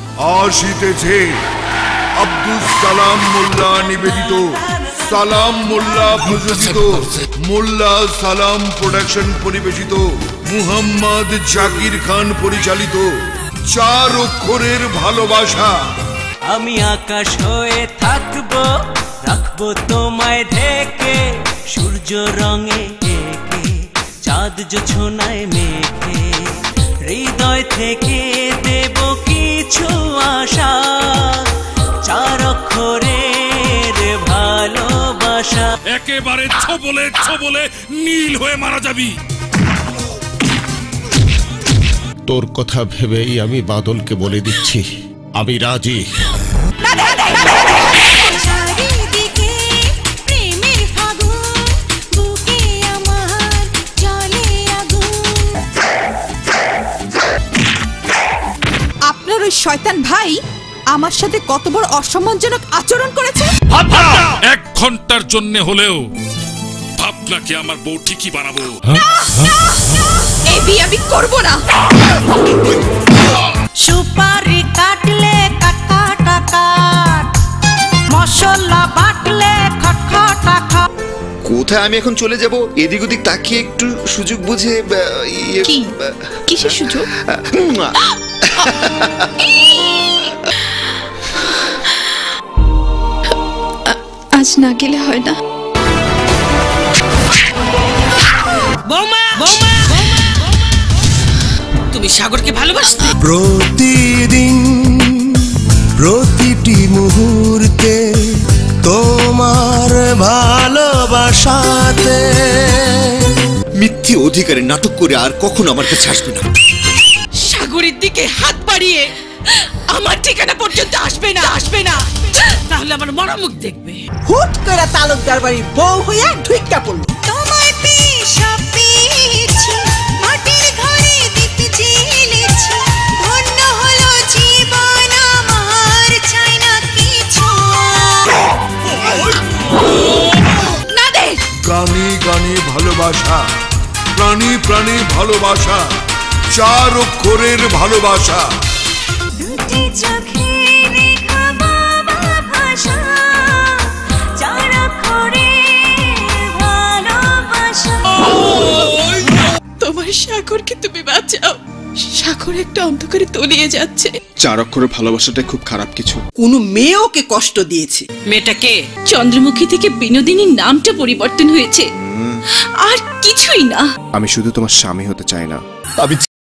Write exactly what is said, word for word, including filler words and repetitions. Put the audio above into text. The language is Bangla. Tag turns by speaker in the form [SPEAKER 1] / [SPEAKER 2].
[SPEAKER 1] আসিতেছে আব্দুস সালাম মোল্লা নিবেদিত, সালাম মোল্লা প্রযোজিত, মোল্লা সালাম প্রোডাকশন পরিবেশিত, মুহাম্মদ জাকির খান পরিচালিত চার অক্ষরের ভালোবাসা।
[SPEAKER 2] আমি আকাশ হয়ে থাকবো, রাখবো তোমায় ঢেকে, সূর্য রঙে এঁকে, চাঁদ জোছনায় মেখে, হৃদয় থেকে দেব কিছু আশা, চার অক্ষরের ভালোবাসা।
[SPEAKER 3] একেবারে ছবলে ছবলে নীল হয়ে মারা যাবি।
[SPEAKER 4] তোর কথা ভেবেই আমি বাদলকে বলে দিচ্ছি আমি রাজি।
[SPEAKER 5] আপনার ওই শয়তান ভাই আমার সাথে কত বড় অসম্মানজনক আচরণ করেছে।
[SPEAKER 3] এক ঘন্টার জন্য হলেও ভাবনাকে আমার বউ ঠিকই বানাবো।
[SPEAKER 5] এই বিয়ে আমি করবো না।
[SPEAKER 6] সুপারি কাটলে কাটা কাটা, মশলা বাটলে খটখটা খট।
[SPEAKER 7] কোথায় আমি এখন চলে যাব? এদিক ওদিক তাকিয়ে একটু সুযোগ বুঝে।
[SPEAKER 5] কি কিসের সুযোগ? আজ না গেলে হয় না।
[SPEAKER 6] বৌমা বৌমা, তুমি সাগরকে ভালোবাসতে?
[SPEAKER 8] প্রতিদিন প্রতিটি মুহূর্তে তোমার ভালোবাসাতে।
[SPEAKER 7] মিথ্যে অধিকারে নাটক করে আর কখনো আমার কাছে আসবে না।
[SPEAKER 6] সাগরের দিকে হাত বাড়িয়ে আমার ঠিকানা পর্যন্ত আসবে না, আসবে না, তাহলে আমার মরা মুখ দেখবে।
[SPEAKER 9] হুট করে তালুকদার বাড়ির বউ হইয়া ঢুইকা পড়লো।
[SPEAKER 6] তোমায় পেয়ে সব পেয়েছি, মাটির ঘরে দীপ জ্বেলেছি, ধন্য হলো জীবন আমার, চাই না কিছু। না দে।
[SPEAKER 1] গানে গানে ভালোবাসা, প্রাণী প্রাণী ভালোবাসা, চার অক্ষরের ভালোবাসা।
[SPEAKER 6] দুটি চোখে দেখা বাবা ভাষা, চার অক্ষরের ভালোবাসা।
[SPEAKER 5] তোমার সাগরকে তুমি বাঁচাও, সাগর একটা অন্ধকারে তলিয়ে যাচ্ছে।
[SPEAKER 7] চার অক্ষরের ভালোবাসাটা খুব খারাপ কিছু।
[SPEAKER 9] কোন মেয়ে ওকে কষ্ট দিয়েছে?
[SPEAKER 6] মেয়েটাকে
[SPEAKER 5] চন্দ্রমুখী থেকে বিনোদিনীর নামটা পরিবর্তন হয়েছে, আর কিছুই না।
[SPEAKER 7] আমি শুধু তোমার স্বামী হতে চাই না, আমি